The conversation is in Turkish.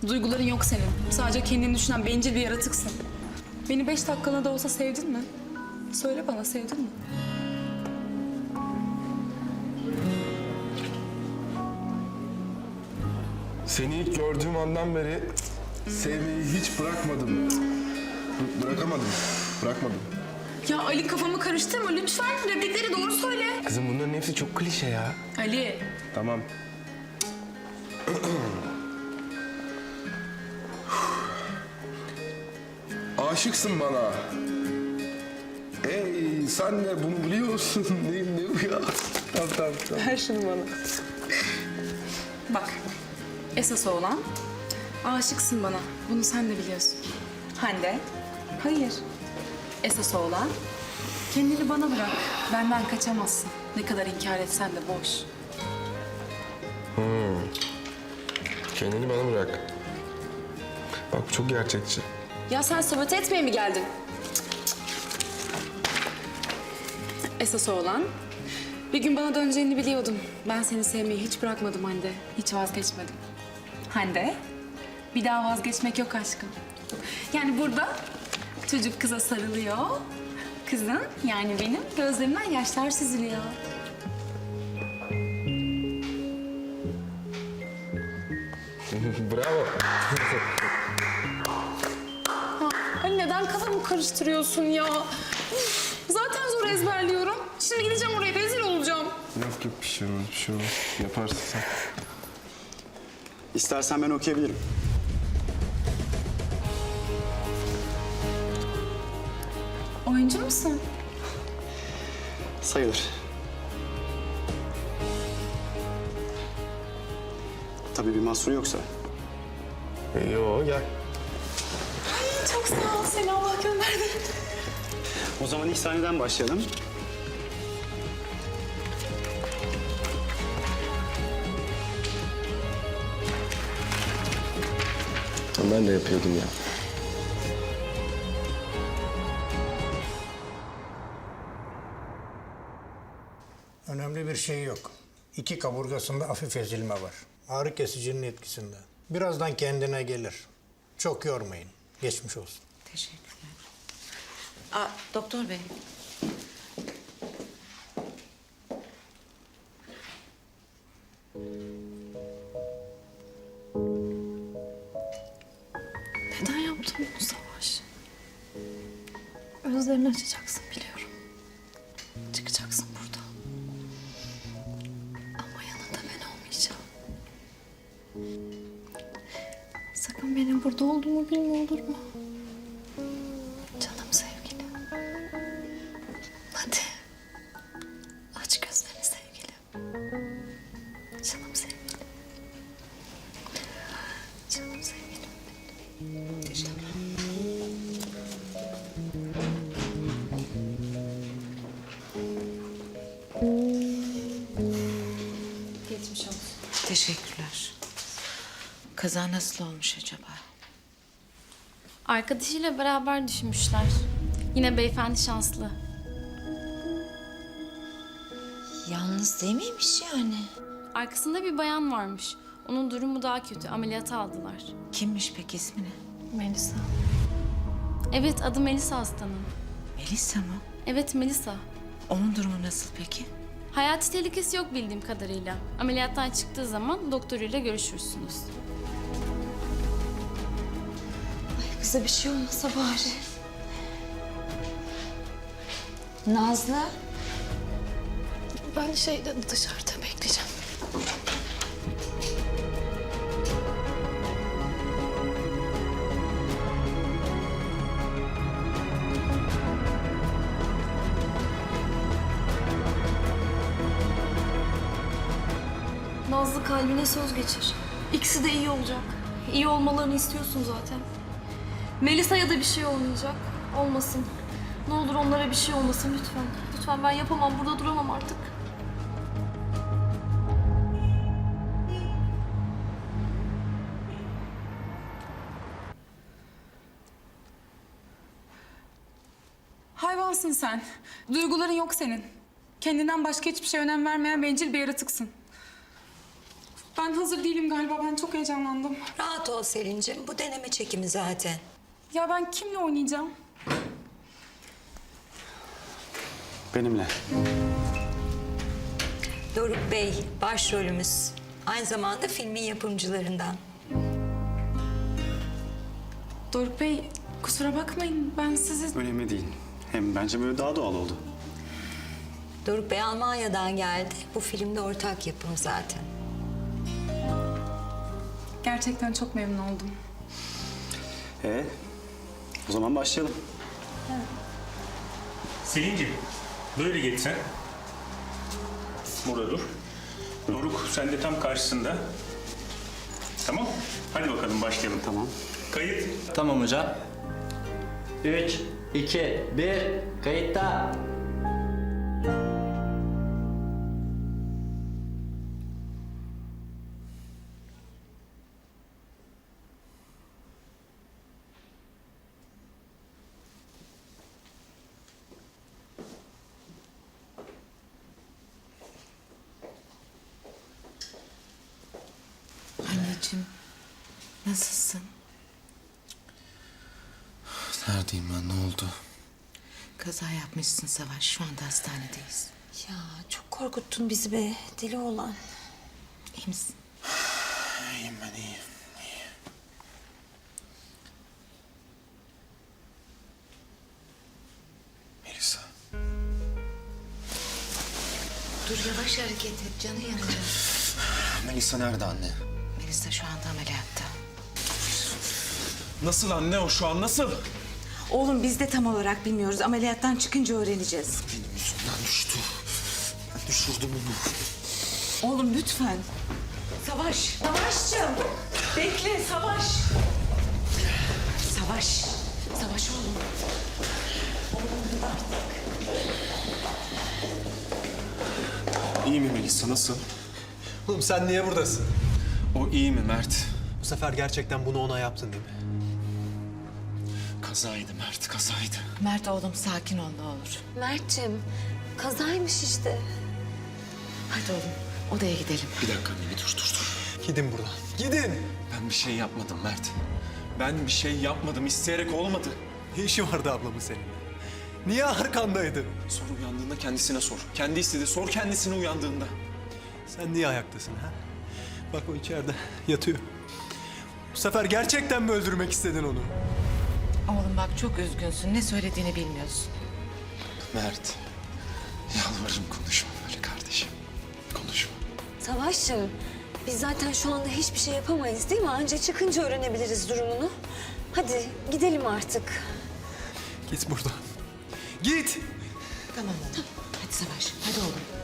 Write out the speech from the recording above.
Duyguların yok senin. Sadece kendini düşünen bencil bir yaratıksın. Beni 5 dakikalığına da olsa sevdin mi? Söyle bana, sevdin mi? Seni ilk gördüğüm andan beri sevmeyi hiç bırakmadım. Bırakamadım. Bırakmadım. Ya Ali, kafamı karıştırma lütfen. Replikleri doğru söyle. Kızım bunların hepsi çok klişe ya. Ali. Tamam. Aşıksın bana. Ey sen de bunu biliyorsun. Ne bu ya? Tamam. Ver şunu bana. Bak, esas olan aşıksın bana. Bunu sen de biliyorsun. Hande, hayır. Esas olan kendini bana bırak. Benden kaçamazsın. Ne kadar inkar etsen de boş. Kendini bana bırak. Bak bu çok gerçekçi. Ya sen sabote etmeye mi geldin? Esas olan bir gün bana döneceğini biliyordum. Ben seni sevmeyi hiç bırakmadım Hande. Hiç vazgeçmedim. Hande, bir daha vazgeçmek yok aşkım. Yani burada çocuk kıza sarılıyor. Kızın, yani benim gözlerimden yaşlar süzülüyor. Bravo. Hani neden kafamı karıştırıyorsun ya? Üf, zaten zor ezberliyorum. Şimdi gideceğim oraya, rezil olacağım. Yok bir şey olmaz, bir şey olmaz. Yaparsın sen. İstersen ben okuyabilirim. Oyuncu musun? Sayılır. Tabii bir mahsuru yoksa. Yo gel. Çok sağ ol, seni Allah gönderdi. O zaman ilk sahneden başlayalım. Ben de yapıyordum ya. Önemli bir şey yok. İki kaburgasında hafif ezilme var. Ağrı kesicinin etkisinde. Birazdan kendine gelir. Çok yormayın. Geçmiş olsun. Teşekkürler. Aa, doktor bey. Neden yaptın bunu Savaş? Özlerini açacaksın biliyorum. Çıkacaksın buradan. Ama yanında ben olmayacağım. Sakın benim burada olduğumu bilme, olur mu? Canım sevgilim. Hadi. Aç gözlerini sevgilim. Canım sevgilim. Canım sevgilim. Geçmiş olsun. Teşekkürler. Kaza nasıl olmuş acaba? Arkadaşıyla beraber düşmüşler. Yine beyefendi şanslı. Yalnız değil miymiş yani? Arkasında bir bayan varmış. Onun durumu daha kötü. Ameliyata aldılar. Kimmiş peki ismi ne? Melisa. Evet, adı Melisa hastanın. Melisa mı? Evet, Melisa. Onun durumu nasıl peki? Hayati tehlikesi yok bildiğim kadarıyla. Ameliyattan çıktığı zaman doktoruyla görüşürsünüz. Kıza bir şey olmasa bari. Nazlı. Ben dışarıda bekleyeceğim. Nazlı kalbine söz geçir. İkisi de iyi olacak. İyi olmalarını istiyorsun zaten. Melisa'ya da bir şey olmayacak. Olmasın. Ne olur onlara bir şey olmasın lütfen. Lütfen, ben yapamam. Burada duramam artık. Hayvansın sen. Duyguların yok senin. Kendinden başka hiçbir şeye önem vermeyen bencil bir yaratıksın. Ben hazır değilim galiba. Ben çok heyecanlandım. Rahat ol Selin'cim. Bu deneme çekimi zaten. Ya ben kimle oynayacağım? Benimle. Doruk Bey başrolümüz. Aynı zamanda filmin yapımcılarından. Doruk Bey, kusura bakmayın. Ben sizi... Önemli değil. Hem bence böyle daha doğal oldu. Doruk Bey Almanya'dan geldi. Bu filmde ortak yapım zaten. Gerçekten çok memnun oldum. O zaman başlayalım. Selin'ciğim, böyle geç sen. Burada dur. Doruk, sen de tam karşısında. Tamam. Hadi bakalım başlayalım. Tamam. Kayıt. Tamam hocam. 3, 2, 1, kayıtta. Anneciğim, nasılsın? Neredeyim ben? Ne oldu? Kaza yapmışsın Savaş. Şu anda hastanedeyiz. Ya çok korkuttun bizi be. Deli olan. İyi misin? İyiyim ben, iyiyim. Melisa. Dur yavaş hareket et. Canı yanacak. Melisa nerede anne? Melisa şu anda ameliyatta. Nasıl anne o şu an nasıl? Oğlum biz de tam olarak bilmiyoruz. Ameliyattan çıkınca öğreneceğiz. Benim yüzümden düştü. Ben düşürdüm onu. Oğlum lütfen. Savaş. Savaşçım. Bekle Savaş. Savaş. Savaş oğlum. İyi mi Melisa, nasıl? Oğlum sen niye buradasın? O iyi mi Mert? Bu sefer gerçekten bunu ona yaptın değil mi? Kazaydı Mert, kazaydı. Mert oğlum sakin ol ne olur. Mert'cim, kazaymış işte. Hadi oğlum odaya gidelim. Bir dakika anne, bir dur. Gidin buradan. Gidin. Ben bir şey yapmadım Mert. Ben bir şey yapmadım, isteyerek olmadı. Ne işi vardı ablamın seninle? Niye arkandaydı? Sor uyandığında kendisine sor. Kendi istedi, sor kendisine uyandığında. Sen niye ayaktasın ha? Bak o içeride yatıyor. Bu sefer gerçekten mi öldürmek istedin onu? Oğlum bak çok üzgünsün. Ne söylediğini bilmiyorsun. Mert, yalvarırım konuşma böyle kardeşim. Konuşma. Savaş'cığım, biz zaten şu anda hiçbir şey yapamayız değil mi? Anca çıkınca öğrenebiliriz durumunu. Hadi gidelim artık. Git buradan. Git. Tamam oğlum. Hadi Savaş. Hadi oğlum.